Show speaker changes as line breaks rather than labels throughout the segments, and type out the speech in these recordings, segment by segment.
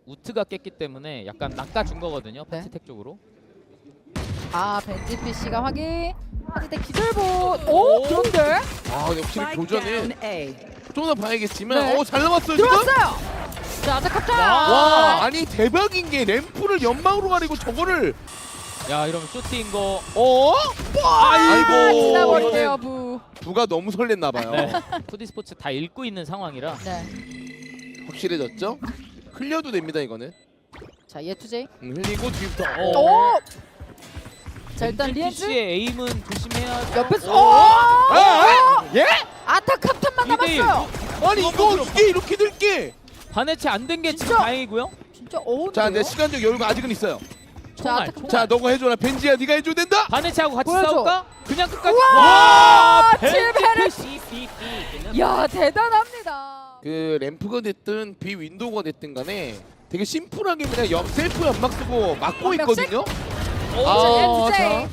우트가 깼기 때문에 약간 낚아준 거거든요.
네.
파티텍 쪽으로.
아 벤지 PC가 확인. 하지대 기절봇. 오 그런데
아 역시 교전은 좀 더 봐야겠지만
네.
잘 나왔어요 지금.
들어왔어요. 자 아타카타.
와 아니 대박인 게 램프를 연막으로 가리고 저거를
야 이러면 쇼트인 거.
아이고
지나버리네요 부.
부가 너무 설렜나 봐요.
네. 푸디 스포츠 다 읽고 있는 상황이라.
네.
확실해졌죠? 흘려도 됩니다 이거는.
자 예투제이.
흘리고 뒤부터.
오. 자 일단 리엔즈
씨의 에임은 조심해야.
옆에서.
아, 예?
아타카타만
2대1.
남았어요.
아니 이게 이렇게 될게.
반해체 안 된 게 지금
진짜?
다행이고요.
진짜 어운데요.
자, 내 시간적 여유가 아직은 있어요.
자
총알,
아타카타.
자, 너가 해줘라. 벤지야, 네가 해줘야 된다.
반해체하고 같이
보여줘.
싸울까? 그냥 끝까지.
와,
벤지
칠베르. 야 대단합니다.
그 램프가 됐든 비 윈도우가 됐든 간에 되게 심플하게 그냥 셀프 연막 쓰고 막고
명씩?
있거든요.
자 예투제이.
자.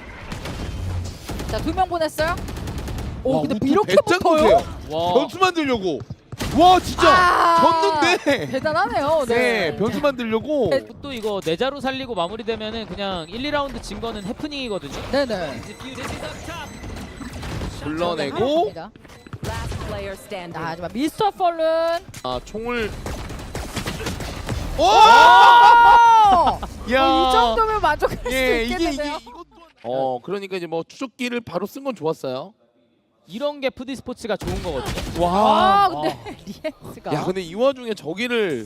자 2명 보냈어요. 오
와,
근데
우트
이렇게
배짱 보세요.
붙어요?
와.
변수 만들려고. 와, 진짜 졌는데.
대단하네요.
네, 변수 만들려고.
또 이거 내자로 살리고 마무리되면은 그냥 1, 2라운드 진 거는 해프닝이거든요.
네네.
불러내고
자
Last player standing.
하지만 미스터 펄룬.
총을 오!
이 정도면 만족할 수
예,
있겠는데요.
이것도 그러니까 이제 뭐 추적기를 바로 쓴 건 좋았어요.
이런 게 푸디 스포츠가 좋은 거거든요.
아 근데 리엔스가.
야, 근데 이 와중에 저기를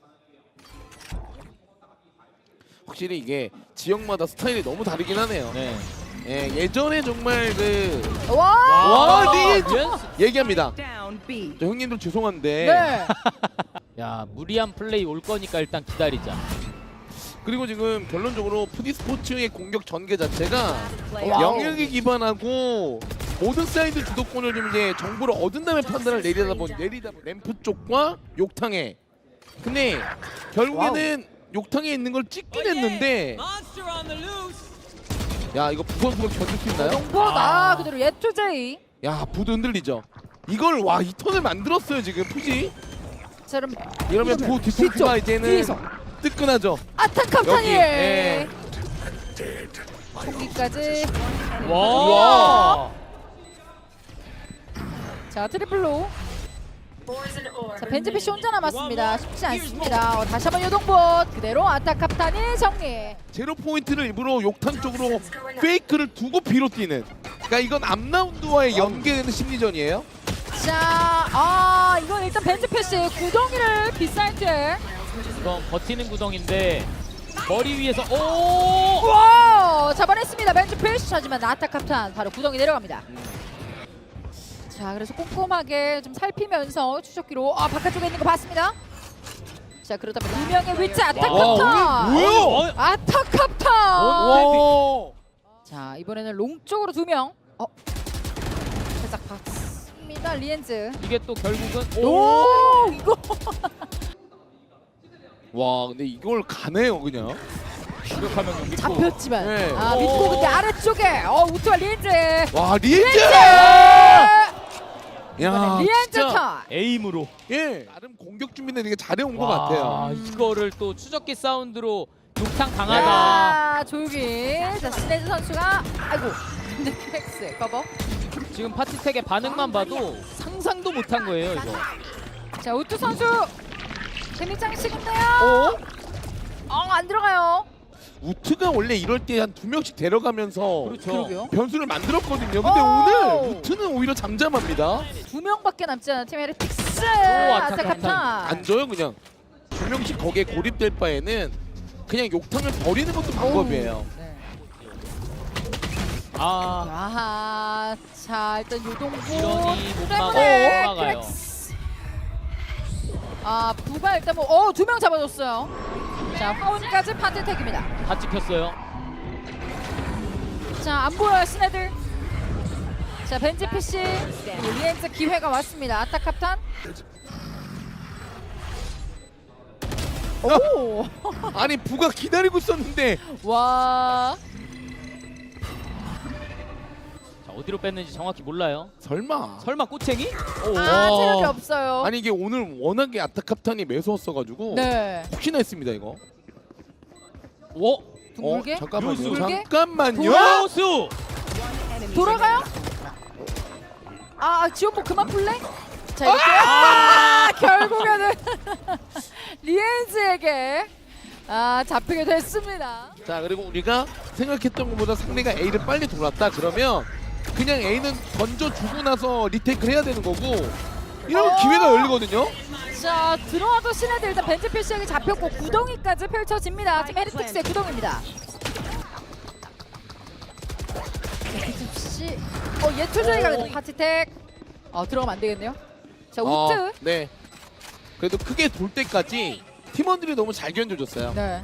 확실히 이게 지역마다 스타일이 너무 다르긴 하네요.
네.
예, 예전에 정말 그
와.
리엔스!
리엔스.
얘기합니다.
Down B.
저 형님들 죄송한데
네.
야 무리한 플레이 올 거니까 일단 기다리자.
그리고 지금 결론적으로 푸디 스포츠의 공격 전개 자체가
Player.
와우.
영역에 기반하고 모든 사이드 주도권을 좀 이제 정보를 얻은 다음에 판단을 내리다 보니 램프 쪽과 욕탕에. 근데 결국에는 욕탕에 있는 걸 찍긴 했는데 야 이거 부선수가 견딜 수 있나요?
정보다 그대로 예투제이.
야 부도 흔들리죠. 이걸 와 이 턴을 만들었어요 지금 푸지.
자 그럼
이러면 부 디펜스가 이제는
뒤에서
뜨끈하죠.
아타카타니.
여기, 예.
총기까지.
와.
자 트리플로. 자 벤지 PC 혼자 남았습니다. 쉽지 않습니다. 다시 한번 요동봇 그대로 아타카타니 정리.
제로 포인트를 일부러 욕탕 쪽으로 페이크를 두고 B로 뛰는. 그러니까 이건 앞라운드와의 연계되는 심리전이에요.
자 이건 일단 벤지 PC 구덩이를 빗살때.
이건 버티는 구덩인데 머리 위에서 오.
와 잡아냈습니다. 벤지 PC. 하지만 아타카탄 바로 구덩이 내려갑니다. 자 그래서 꼼꼼하게 좀 살피면서 추적기로 바깥쪽에 있는 거 봤습니다. 자 그렇다면 2명의 위치 아타카탄.
뭐야?
아타카탄.
와.
자 이번에는 롱 쪽으로 2명. 살짝 봤습니다. 리엔즈.
이게 또 결국은
오 이거.
와 근데 이걸 가네요 그냥.
공격하면 믿고.
잡혔지만
네.
믿고 근데 아래쪽에 우트와 리엔즈.
와 리엔즈! 야
이번엔 리엔즈
진짜
턴.
에임으로.
예 나름 공격 준비는 되게 잘해온 것
와,
같아요.
이거를 또 추적기 사운드로 욕탕 강하다.
자 조용히. 자 스네즈 선수가 아이고 근데 팩스 커버.
지금 파티텍의 반응만 봐도 상상도 못한 거예요 이거.
자 우트 선수 데미장 식인데요. 안 들어가요.
우트가 원래 이럴 때 한 2명씩 데려가면서
그렇죠.
그러게요.
변수를 만들었거든요. 근데
오!
오늘 우트는 오히려 잠잠합니다.
2명밖에 남지 않은 팀 헤레틱스.
아타카탄.
아타카탄.
안 줘요 그냥. 2명씩 거기에 고립될 바에는 그냥 욕탕을 버리는 것도 방법이에요.
네.
아
아하. 자 일단 요동부
이러니 못
때문에
막아요.
크랙스. 부가 일단 2명 잡아줬어요. 자 파운까지 파티텍입니다.
다 찍혔어요.
자 안 보여요 스네들. 자 벤지 PC 리엔즈 기회가 왔습니다. 아타카탄. 오.
아니 부가 기다리고 있었는데
와.
자, 어디로 뺐는지 정확히 몰라요.
설마.
설마 꼬챙이?
아 체력이 없어요.
아니 이게 오늘 워낙에 아타캅탄이 매서웠어가지고
네.
혹시나 했습니다 이거.
오!
둥글게?
잠깐만요.
요수.
잠깐만요.
요수!
돌아가요? 아 지원복 그만 풀래? 자 이렇게 결국에는 리엔즈에게 잡히게 됐습니다.
자 그리고 우리가 생각했던 것보다 상대가 A를 빨리 돌았다 그러면 그냥 A는 던져주고 나서 리테이크를 해야 되는 거고 이러면 기회가 열리거든요.
자 들어와도 신에들 일단 벤츠 필시에게 잡혔고 구덩이까지 펼쳐집니다. 지금 헤리틱스의 구덩이입니다. 씨, 예투저희가 그래도 파티텍 들어가면 안 되겠네요. 자 우트.
네. 그래도 크게 돌 때까지 팀원들이 너무 잘 견뎌줬어요.
네.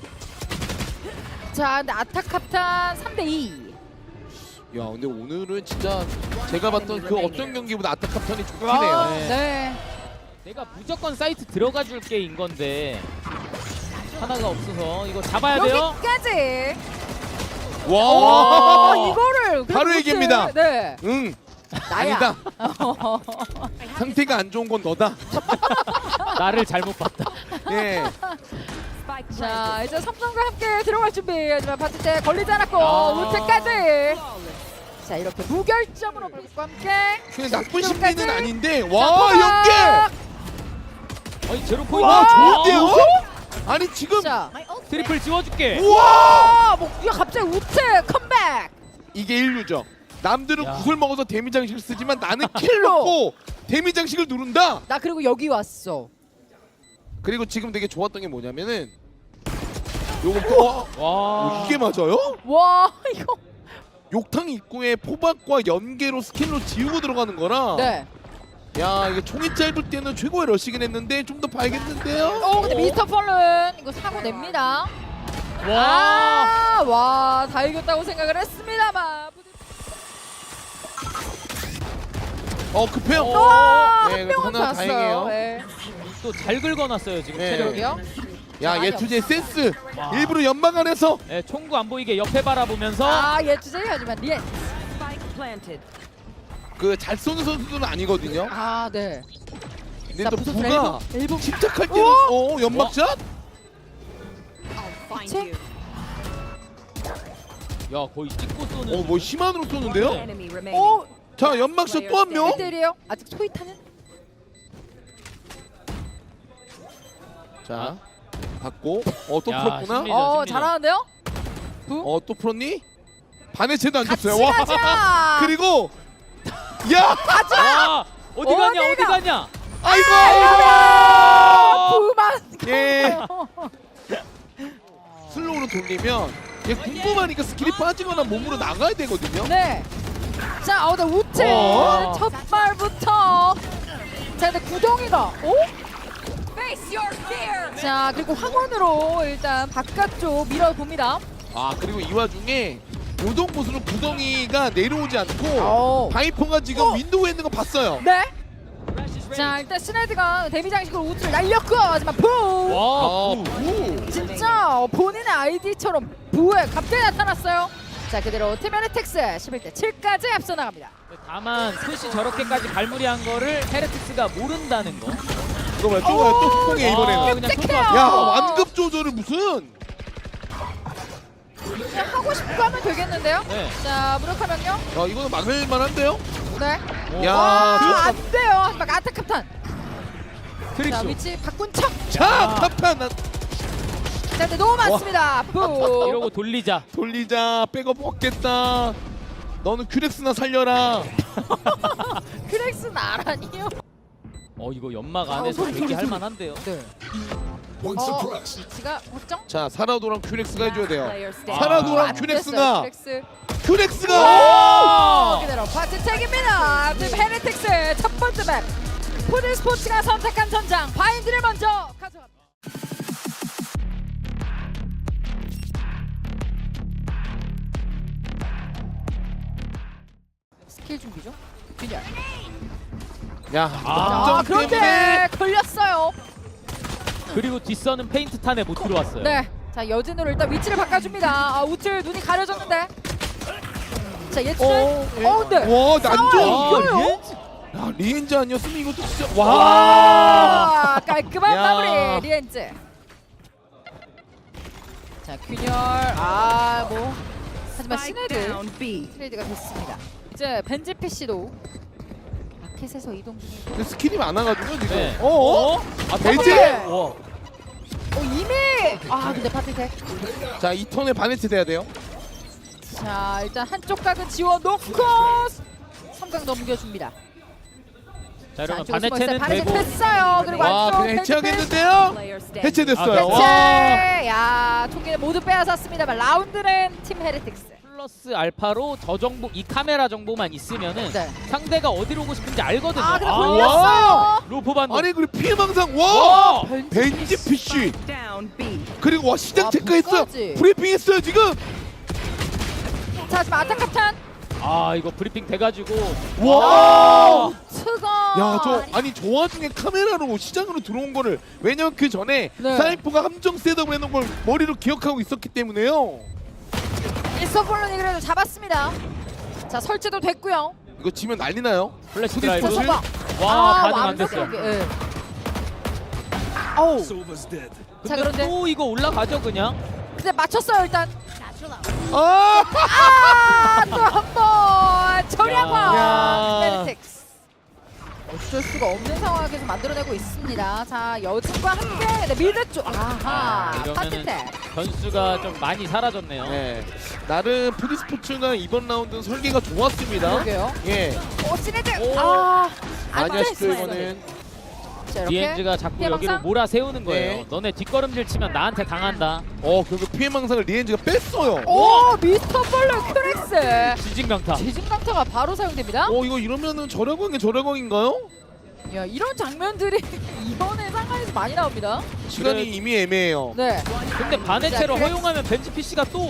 자 근데 아타캅탄 3대2.
야 근데 오늘은 진짜 제가 봤던 그 어떤 경기보다 아타캅탄이 좋긴 해요.
네.
내가 무조건 사이트 들어가 줄게인 건데 하나가 없어서 이거 잡아야 돼요.
여기까지.
와.
이거를
바로
우트.
얘기합니다.
네.
응.
나야.
아니다. 상태가 안 좋은 건 너다.
나를 잘못 봤다.
예.
Spike
자
planted.
이제 삼성과 함께 들어갈 준비. 하지만 파티 때 걸리지 않았고
야.
우트까지. 자 이렇게 무결점으로 불과 함께.
근데 나쁜 심리는 아닌데
자,
와 연계.
어이 제로 포인트.
와 좋은데요? 아니 지금
자,
트리플 지워줄게.
우와
야 갑자기 우트 컴백.
이게 인류죠. 남들은
야.
구슬 먹어서 데미 장식을 쓰지만 나는 킬 넣고 데미 장식을 누른다.
나 그리고 여기 왔어.
그리고 지금 되게 좋았던 게 뭐냐면은 요거
와.
이게 맞아요?
와 이거.
욕탕 입구에 포박과 연계로 스킬로 지우고 들어가는 거라
네.
야 이게 총이 짧을 때는 최고의 러시긴 했는데 좀 더 봐야겠는데요?
근데 미스터 펄른 이거 사고 냅니다.
와.
와, 다 이겼다고 생각을 했습니다만.
급해요.
와,
네,
한 명은
하나
잤어요.
다행이에요.
네.
또 잘 긁어놨어요 지금
네.
체력이.
여기요?
야
많이
예투제
없어.
센스
와.
일부러 연막 안에서
네, 총구 안 보이게 옆에 바라보면서
예투제이 하지만 리엔.
Spike planted.
그 잘 쏘는 선수들은 아니거든요.
네.
근데
자,
또
부서지네.
부가
일부.
침착할 때는 연막샷?
Find you.
야 거의 찍고 쏘는.
뭐 심한으로 쏘는데요?
Enemy remaining.
자 연막샷 또 한 명.
1대1이에요. 아직 소이타는?
자 받고 또
야,
풀었구나.
심리- 심리전.
잘하는데요?
또 풀었니? 반의 채도 안
같이
줬어요.
가자.
그리고 야
와 어디 가냐 어디
어디가?
가냐.
아이고.
부만.
예. 슬로우로 돌리면 얘 궁금하니까 스킬이 빠지거나 몸으로 나가야 되거든요.
네. 자, 나 우트 첫 발부터. 자, 근데 구덩이가.
Face your fear.
자, 그리고 황혼으로 일단 바깥쪽 밀어봅니다.
그리고 이 와중에 요동 곳으로 구덩이가 내려오지 않고 바이퍼가 지금 윈도우에 있는 거 봤어요.
네. 자, 일단 시네드가 데미 장식으로 우트를 날렸고 하지만 부.
와.
진짜 본인의 아이디처럼 부에 갑자기 나타났어요. 자, 그대로 팀 헤레틱스 11대 7까지 앞서 나갑니다.
다만 푸시 저렇게까지 발무리한 거를 헤레틱스가 모른다는 거.
이거 봐요. 또 폭풍해 이번에는.
그냥
끔찍해요.
야 완급 조절을 무슨?
그냥 하고 싶고 하면 되겠는데요?
네.
자, 무력화 명령.
이거는 막을 만한데요?
네.
야,
안 돼요. 하지만 아타캅탄. 자,
트릭쇼.
위치 바꾼 척.
자, 탑탄
자, 근데 너무 많습니다. 부.
이러고 돌리자.
돌리자. 백업 먹겠다. 너는 큐렉스나 살려라.
크렉스 나라니요?
이거 연막 안에서 대기할 만한데요.
네. 위치가 확정?
자, 사라도랑 큐렉스가 해줘야 돼요.
Player standing.
사라도랑
안
큐렉스가
됐어요, 큐렉스.
큐렉스가
그대로 파트텍입니다. 팀 헤레틱스 첫 번째 맵. 푸드 스포츠가 선택한 전장 바인드를 먼저 가져갑니다. 스킬 준비죠? 균열.
야, 점점
그런데
때문에
걸렸어요.
그리고 뒷선은 페인트 탄에 못 들어왔어요.
네. 자, 여진으로 일단 위치를 바꿔줍니다. 우틀 눈이 가려졌는데. 자 예측은
예.
네.
와 난조.
이거요?
리엔즈?
야 리엔즈 아니었으면 이것도 진짜 와.
와 깔끔한
야.
마무리 리엔즈. 자 균열 뭐 하지만
Spike
시네드
down B.
트레이드가 됐습니다. 이제 벤지 PC도 마켓에서 이동 중이고
근데 스킬이 많아가지고 지금.
네.
어?
아
벤지?
와.
이미 근데 파티텍
자 이 턴에 바네트 돼야 돼요.
자 일단 한쪽 각은 지워놓고 3각 넘겨줍니다.
자 이러면
안쪽에 숨어 있어요.
바네체는
바네체
되고.
됐어요. 그리고
와
안쪽
그냥
벤지 패스.
해체하겠는데요?
Player standing.
해체됐어요.
아,
와.
해체. 야 통계를 모두 빼앗았습니다만 라운드는 팀 헤레틱스.
플러스 알파로 저 정보 이 카메라 정보만 있으면은
네.
상대가 어디로 오고 싶은지 알거든요.
근데
와.
걸렸어요.
로프 반도.
아니 그리고 피해망상 와.
와.
벤지 PC
Spike down B.
그리고 와 시장
와,
체크했어요.
북까지.
브리핑했어요 지금.
자 지금 아타카탄.
아 이거 브리핑 돼가지고.
와.
트거.
야 저 아니 저 와중에 카메라로 시장으로 들어온 거를 왜냐면 그 전에
네.
사이프가 함정 셋업을 해놓은 걸 머리로 기억하고 있었기 때문에요.
일서폴론이 그래도 잡았습니다. 자 설치도 됐고요.
이거 지면 난리 나요.
플래시
자,
드라이브.
선방.
와 반응 안 됐어요.
완벽하게, 예. 아우.
근데
자 그런데
또 이거 올라가죠 그냥.
근데 맞췄어요 일단.
아!
또 한 번 저량화
야.
헤레틱스. 어쩔 수가 없는 상황에서 만들어내고 있습니다. 자 여진과 함께 네, 미드 쪽 아하
이러면은
파티텍.
변수가 좀 많이 사라졌네요.
네. 나름 프리스포츠가 이번 라운드는 설계가 좋았습니다.
그러게요.
예.
시네드
오.
안
많이 하시죠
됐어요.
이거는.
자, 이렇게
리엔즈가 자꾸
피해
여기로
망상?
몰아 세우는 거예요.
네.
너네 뒷걸음질 치면 나한테 당한다.
그리고 피해망상을 리엔즈가 뺐어요.
오 미스터 볼러 큐렉스.
지진강타.
지진강타가 바로 사용됩니다.
이거 이러면은 저렴한 저렴한인가요?
야 이런 장면들이 이번에 상황에서 많이 나옵니다.
시간이
그래.
이미 애매해요.
네.
근데 바네체로
자, 그래.
허용하면 벤지 PC가 또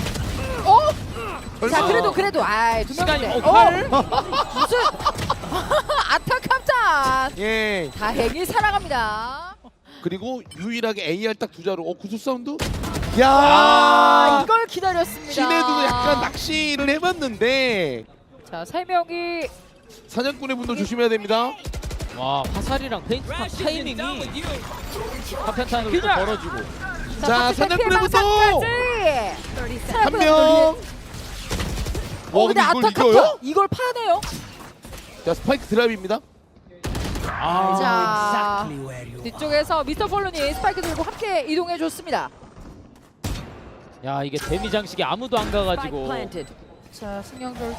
자
설마.
그래도 두
시간이
명인데.
팔.
무슨 아타캄탄.
예.
다행히 살아갑니다.
그리고 유일하게 AR 딱 두 자루. 구수 사운드? 야!
이걸 기다렸습니다.
시내도 약간 낚시를 해봤는데
자, 세 명이
사냥꾼의 분도 조심해야 됩니다.
와 화살이랑 페인트팝 타이밍이 파편탄으로 또
그냥.
벌어지고.
자, 사냥꾼의 분도!
30
한 명.
근데
근데 이걸
아타캄탄
이겨요?
이걸 파네요.
자, 스파이크 드랍입니다.
자, 뒤쪽에서 미스터 폴론이 스파이크 들고 함께 이동해 줬습니다.
야 이게 데미 장식이 아무도 안
Spike
가가지고.
planted.
자, 승영돌.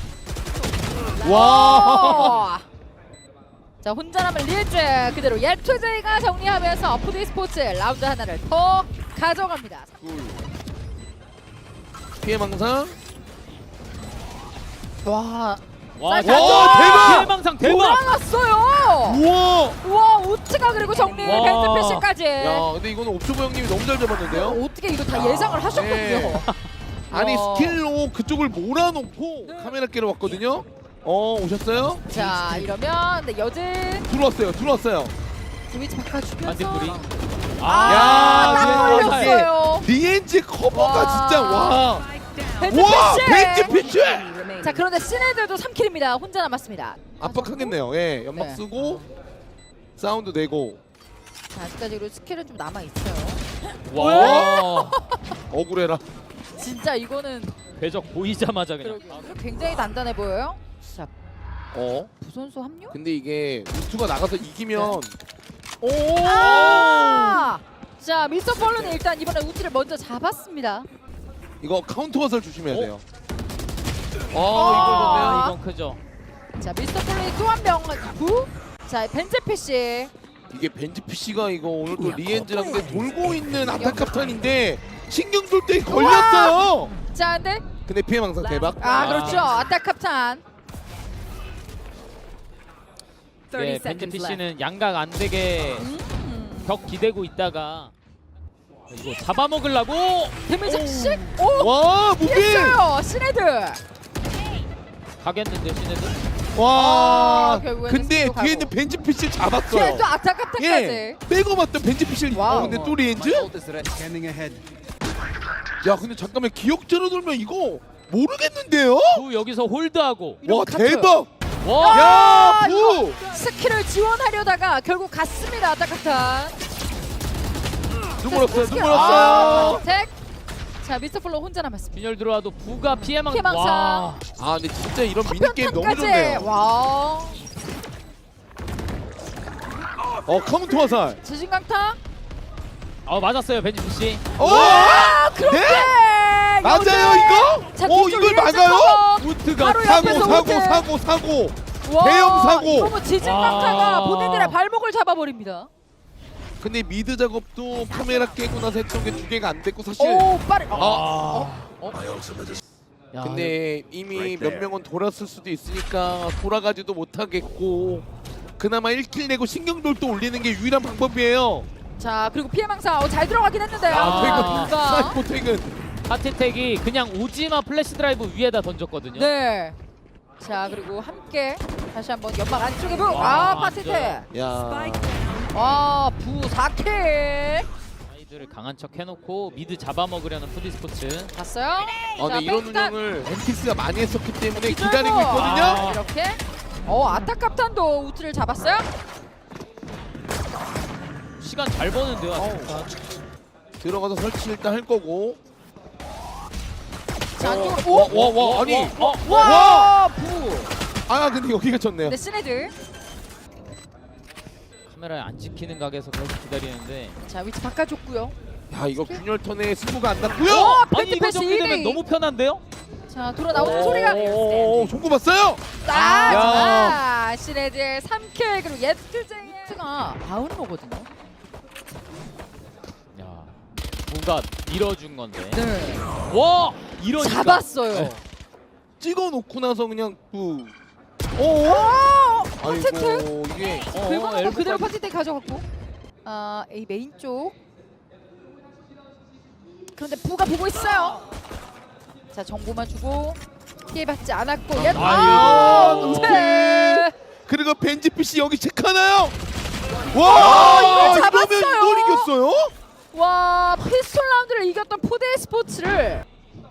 와!
자, 혼자 남은 리엔즈 그대로 옐투제이가 정리하면서 푸드 스포츠 라운드 하나를 더 가져갑니다.
피해망상.
와,
와
자,
대박!
대망상 대박.
돌아갔어요.
우와!
와, 우츠가 그리고 정리
와.
벤트 패시까지.
야, 근데 이거는 옵저버 형님이 너무 잘 잡았는데요.
어떻게 이거 다 예상을 하셨군요.
네. 아니
와.
스킬로 그쪽을 몰아놓고 카메라 깨러 왔거든요. 오셨어요?
자, 이러면 네, 여진
들어왔어요.
스위치
반대
바꿔주면서
뿌리.
아, 딱
야,
걸렸어요.
리엔즈 커버가
와.
진짜 와.
벤트
와,
패시.
벤지 피치!
Remaining.
자, 그런데 시네들도 3킬입니다. 혼자 남았습니다.
압박하겠네요. 예, 연막
네.
쓰고 사운드 내고.
자, 아직까지 그리고 스킬은 좀 남아 있어요.
와.
억울해라.
진짜 이거는
궤적 보이자마자 그냥.
굉장히 단단해 보여요. 자, 부선수 합류?
근데 이게 루트가 나가서 이기면
자, 미스터 폴론이 일단 이번에 우치를 먼저 잡았습니다.
이거 카운터 화살 조심해야 돼요.
아.
이건 크죠.
자, 미스터 폴론이 또 한 명 구. 자, 벤제 PC.
이게 벤지 PC가 이거 오늘 또 리엔즈랑 근데 돌고 있는 아타카탄인데 신경 쏠 때 걸렸어요.
자, 근데
근데 피해망상 대박.
그렇죠. 아타캅탄.
30
네, 벤지
seconds left.
PC는 양각 안 되게 벽 기대고 있다가 이거 잡아먹으려고.
데미지 씩. 오!
와 무빙.
했어요. 시네드.
가겠는데 시네드.
와.
결국에는
근데
스스로 가고.
뒤에 있는 벤지 PC 잡았어요.
뒤에 또 아타캅탄까지.
예. 빼고 봤던 벤지 PC.
와우.
근데 또 리엔즈?
Ult is scanning ahead.
야 근데 잠깐만 기억자로 돌면 이거 모르겠는데요?
부 여기서 홀드하고.
와
카트.
대박!
와.
야
이거
부!
스킬을 지원하려다가 결국 갔습니다. 아타카프탄.
눈물 없어요. 눈물
아,
없어요.
텍. 자 미스터 플로 혼자 남았습니다.
균열 들어와도 부가 피해망.
피해망상.
와.
아 근데 진짜 이런 미니게임 너무
파편탄까지.
좋네요.
와.
카운터 화살.
지진강타.
맞았어요 벤지 씨.
아 그렇게.
네? 맞아요 이거?
자,
오
뒤쪽
이걸
일찍
막아요?
커버.
우트가
바로
사고
옆에서
사고
우트.
사고 사고.
와,
대형 사고.
이거 뭐 지진강타가
와.
본인들의 발목을 잡아버립니다.
근데 미드 작업도 카메라 깨고 나서 했던 게 2개가 안 됐고 사실.
오 빠르.
야,
근데 이미 몇 명은 돌았을 수도 있으니까 돌아가지도 못하겠고 그나마 1킬 내고 신경돌도 올리는 게 유일한 방법이에요.
자 그리고 피해망사 잘 들어가긴 했는데요.
아,
누가?
사이코 퇴근.
하트텍이 그냥 오지마 플래시 드라이브 위에다 던졌거든요.
네. 자 그리고 함께 다시 한번 연막 안쪽에 부.
와,
파티트.
야.
Spike
와부 4킬.
아이들을 강한 척 해놓고 미드 잡아먹으려는 푸디스포츠.
봤어요?
근데 이런
백스탑.
운영을 엔티스가 많이 했었기 때문에
기절고.
기다리고 있거든요.
아.
이렇게. 아타캅탄도 우트를 잡았어요?
시간 잘 버는데요. 아타카.
들어가서 설치 일단 할 거고.
자 안쪽으로. 오.
와 아니.
와 부.
아 근데 여기가 졌네요.
네 시네들.
카메라에 안 찍히는 각에서 계속 기다리는데.
자 위치 바꿔줬고요.
야 이거 균열 턴에 승부가 안 났고요.
아니 이거
패스
정리되면
2대2.
너무 편한데요?
자 돌아 나오는 소리가.
오 송구 봤어요?
자 시네들 3킬 그리고 예트제이가 바운로거든요.
야 뭔가 밀어준 건데.
네.
와 이러니까.
잡았어요.
네.
찍어놓고 나서 그냥 오.
파티트.
아이고 이게
긁어놓고
엘보까지.
그대로 파티트 가져갔고. A 메인 쪽. 그런데 부가 보고 있어요. 자 정보만 주고 피해받지 않았고
아이고.
네.
그리고 벤지피씨 여기 체크하나요? 와
이걸
이러면
잡았어요.
이걸 이겼어요?
와 피스톨 라운드를 이겼던 포데이 스포츠를.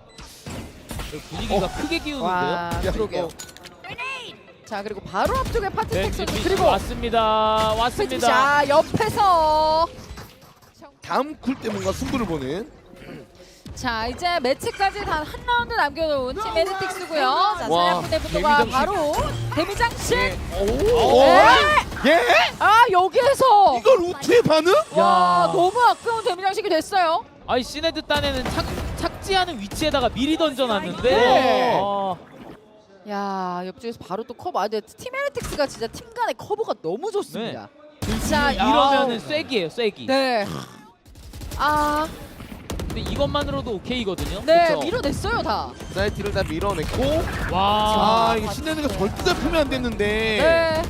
분위기가 크게 기우는데요.
와
야,
그러게요. 자 그리고 바로 앞쪽에 파티
벤지
텍스도
씨
그리고
왔습니다.
자 옆에서
다음 쿨 때 뭔가 승부를 보는.
자 이제 매치까지 단 한 라운드 남겨놓은 팀 에네틱스고요. 자
와,
사냥꾼의 분노가
데미장식.
바로 데미장식.
오.
네.
예?
아 여기에서
이걸 우트의 반응?
와
야.
너무 아까운 데미장식이 됐어요.
아이 시네드 딴에는 착지하는 위치에다가 미리 던져놨는데.
네.
아,
야 옆쪽에서 바로 또 커버. 근데 팀 에네틱스가 진짜 팀 간의 커버가 너무 좋습니다. 자
이러면은 쐐기예요 쐐기.
네. 아,
근데 이것만으로도 오케이거든요.
네
그쵸?
밀어냈어요 다.
사이트를 다 밀어냈고.
와.
아 이게 신내는 거 절대 잡히면 안 됐는데.
네.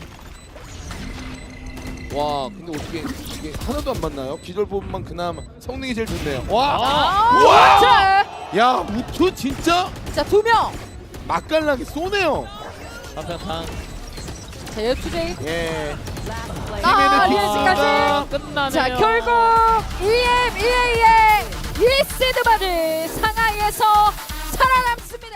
와 근데 어떻게 이게 하나도 안 맞나요? 기절 부분만 그나마 성능이 제일 좋네요. 와.
아.
우와!
자,
야 우트 진짜
자 2명.
맛깔나게 쏘네요.
한편탕.
자 예투제이.
예.
아
팀
리에즈까지.
끝나네요.
자 결국 EMEA의 1세드 받을 상하이에서 살아남습니다.